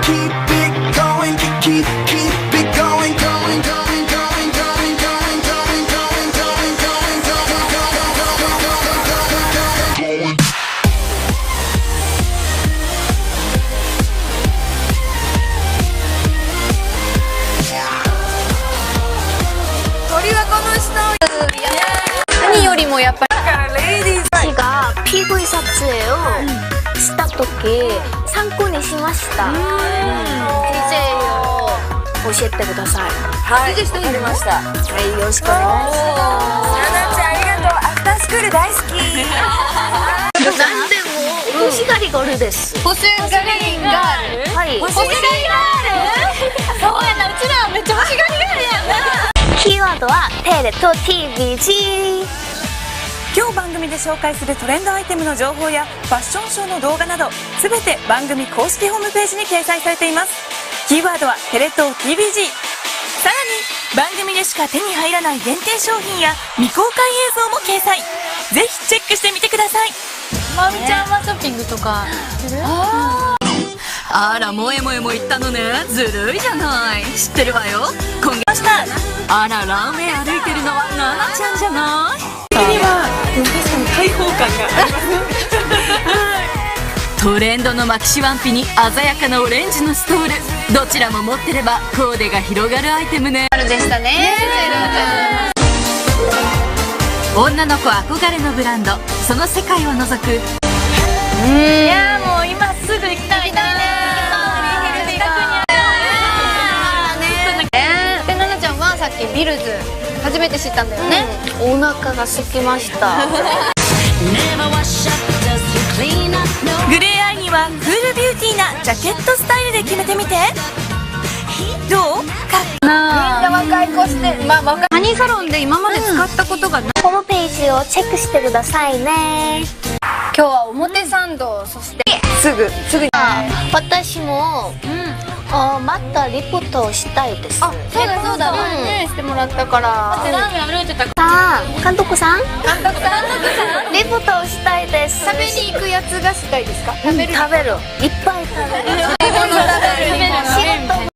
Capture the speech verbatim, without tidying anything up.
keep it going, keep, keep it going, going, going, going, going, going, going, going, going, going, going, going. 鳥はこの人。何よりもやっぱりレディー私が ピーブイ 撮影をした時参考にしました。 ディージェー を教えてください。 はい、わかりました。 はい、よろしくお願いします。 ななちゃんありがとう。アフタースクール大好き。 何でも欲しがりガールです。 欲しがりガール。 はい、 欲しがりガール。そうやな、うちらめっちゃ欲しがりガールやんな。 キーワードはテレと ティーブイジー。 今日番組で紹介するトレンドアイテムの情報やファッションショーの動画などすべて番組公式ホームページに掲載されています。キーワードはテレ東 ティーブイジー。 さらに番組でしか手に入らない限定商品や未公開映像も掲載。ぜひチェックしてみてください。 まみちゃんはショッピングとかする？ あら、萌え萌えも言ったのね。ずるいじゃない。知ってるわよ。今月した。あら、ランウェイ歩いてるのはナナちゃんじゃない。 確かに開放感がありますトレンドのマキシワンピに鮮やかなオレンジのストール、どちらも持ってればコーデが広がるアイテムね。 でしたね。 女の子憧れのブランド、その世界を覗く。 いやもう今すぐ行きたいな。で、ななちゃんはさっきビルズ初めて知ったんだよね。 お腹が空きました。 グレーアイにはクールビューティーなジャケットスタイルで決めてみて。どう？かっみんな若い子して、まあ若い。ハニーサロンで今まで使ったことがない。 ホームページをチェックしてくださいね。 今日は表参道、そしてすぐすぐに。 私もあまたリポートをしたいです。 あ、そうだそうだ、ね、してもらったから。ラーメン歩いてた。 さあ、監督さん、 監督さんリポートをしたいです。 食べに行くやつがしたいですか？食べる。 食べる。いっぱい食べる。 食べる。 仕事